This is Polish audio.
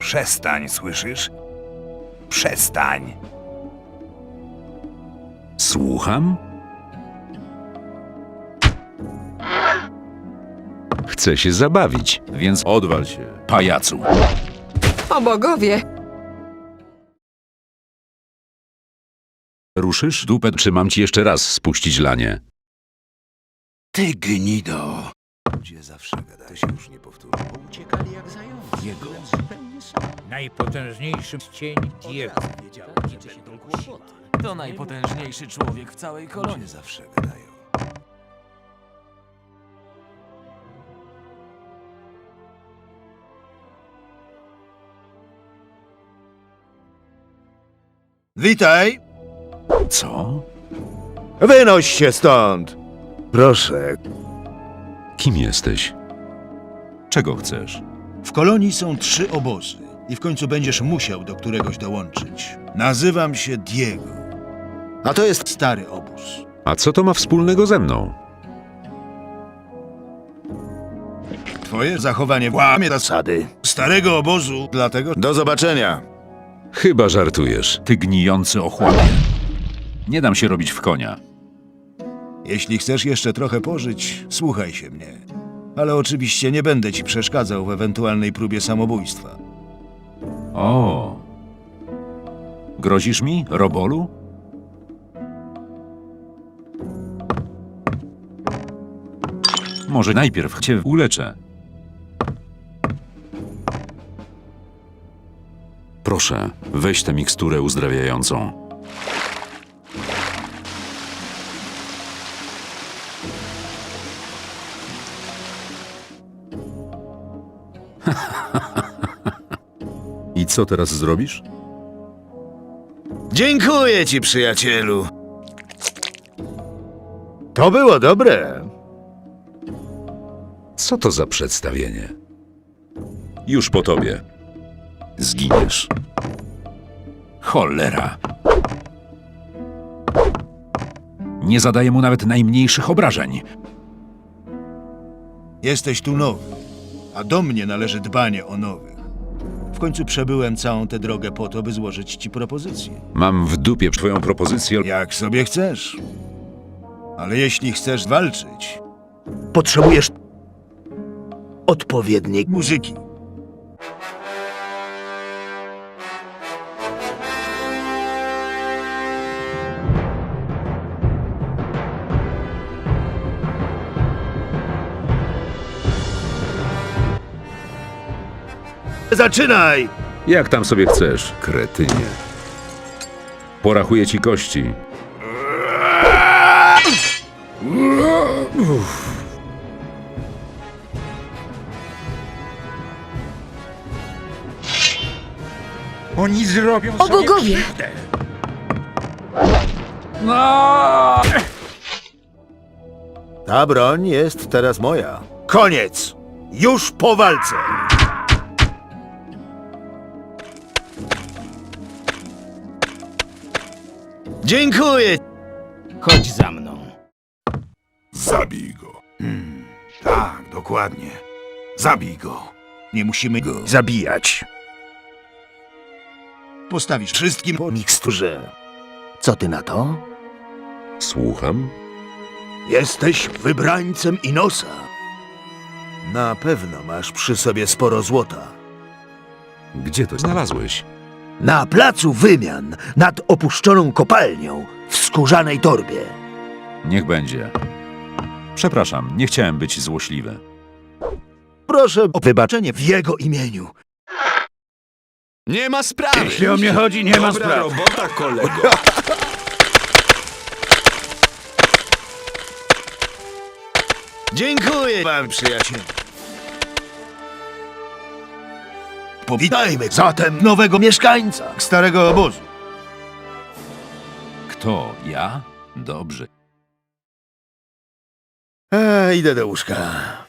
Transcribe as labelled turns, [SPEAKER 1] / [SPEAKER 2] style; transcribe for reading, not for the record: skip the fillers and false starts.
[SPEAKER 1] Przestań, słyszysz? Przestań.
[SPEAKER 2] Słucham? Chcę się zabawić, więc odwal się, pajacu.
[SPEAKER 3] O bogowie!
[SPEAKER 2] Ruszysz dupę, czy mam ci jeszcze raz spuścić lanie?
[SPEAKER 1] Ty gnido. Ludzie zawsze gadają. To się już nie powtórzy.
[SPEAKER 4] Uciekali jak zające.
[SPEAKER 1] Jego.
[SPEAKER 4] Byłem zupełnie sam.
[SPEAKER 5] Najpotężniejszy cień Diego.
[SPEAKER 6] To najpotężniejszy człowiek w całej kolonii.
[SPEAKER 1] Ludzie zawsze gadają.
[SPEAKER 7] Witaj!
[SPEAKER 2] Co?
[SPEAKER 7] Wynoś się stąd! Proszę.
[SPEAKER 2] Kim jesteś? Czego chcesz?
[SPEAKER 7] W kolonii są 3 obozy i w końcu będziesz musiał do któregoś dołączyć. Nazywam się Diego. A to jest stary obóz.
[SPEAKER 2] A co to ma wspólnego ze mną?
[SPEAKER 7] Twoje zachowanie łamie zasady starego obozu, dlatego do zobaczenia.
[SPEAKER 2] Chyba żartujesz.
[SPEAKER 5] Ty gnijący ochłapie. Nie dam się robić w konia.
[SPEAKER 7] Jeśli chcesz jeszcze trochę pożyć, słuchaj się mnie. Ale oczywiście nie będę ci przeszkadzał w ewentualnej próbie samobójstwa.
[SPEAKER 5] O. Grozisz mi, robolu? Może najpierw cię uleczę.
[SPEAKER 2] Proszę, weź tę miksturę uzdrawiającą. I co teraz zrobisz?
[SPEAKER 7] Dziękuję ci, przyjacielu. To było dobre.
[SPEAKER 2] Co to za przedstawienie? Już po tobie. Zginiesz.
[SPEAKER 5] Cholera. Nie zadaję mu nawet najmniejszych obrażeń.
[SPEAKER 7] Jesteś tu nowy, a do mnie należy dbanie o nowych. W końcu przebyłem całą tę drogę po to, by złożyć ci propozycję.
[SPEAKER 2] Mam w dupie twoją propozycję.
[SPEAKER 7] Jak sobie chcesz. Ale jeśli chcesz walczyć, potrzebujesz odpowiedniej muzyki. Zaczynaj!
[SPEAKER 2] Jak tam sobie chcesz, kretynie. Porachuję ci kości.
[SPEAKER 5] Oni zrobią
[SPEAKER 3] O bogowie!
[SPEAKER 7] Ta broń jest teraz moja. Koniec! Już po walce! Dziękuję!
[SPEAKER 4] Chodź za mną.
[SPEAKER 1] Zabij go. Tak, dokładnie. Zabij go.
[SPEAKER 7] Nie musimy go zabijać. Postawisz wszystkim po miksturze. Co ty na to?
[SPEAKER 2] Słucham?
[SPEAKER 7] Jesteś wybrańcem Inosa. Na pewno masz przy sobie sporo złota.
[SPEAKER 2] Gdzie to znalazłeś?
[SPEAKER 7] Na placu wymian nad opuszczoną kopalnią w skórzanej torbie.
[SPEAKER 5] Niech będzie. Przepraszam, nie chciałem być złośliwy.
[SPEAKER 7] Proszę o wybaczenie w jego imieniu.
[SPEAKER 6] Nie ma sprawy!
[SPEAKER 7] Jeśli o mnie chodzi, nie ma
[SPEAKER 6] Dobra
[SPEAKER 7] sprawy.
[SPEAKER 6] robota, kolego!
[SPEAKER 7] Dziękuję wam, przyjacielu. Powitajmy zatem nowego mieszkańca starego obozu.
[SPEAKER 5] Kto? Ja? Dobrze.
[SPEAKER 7] Idę do łóżka.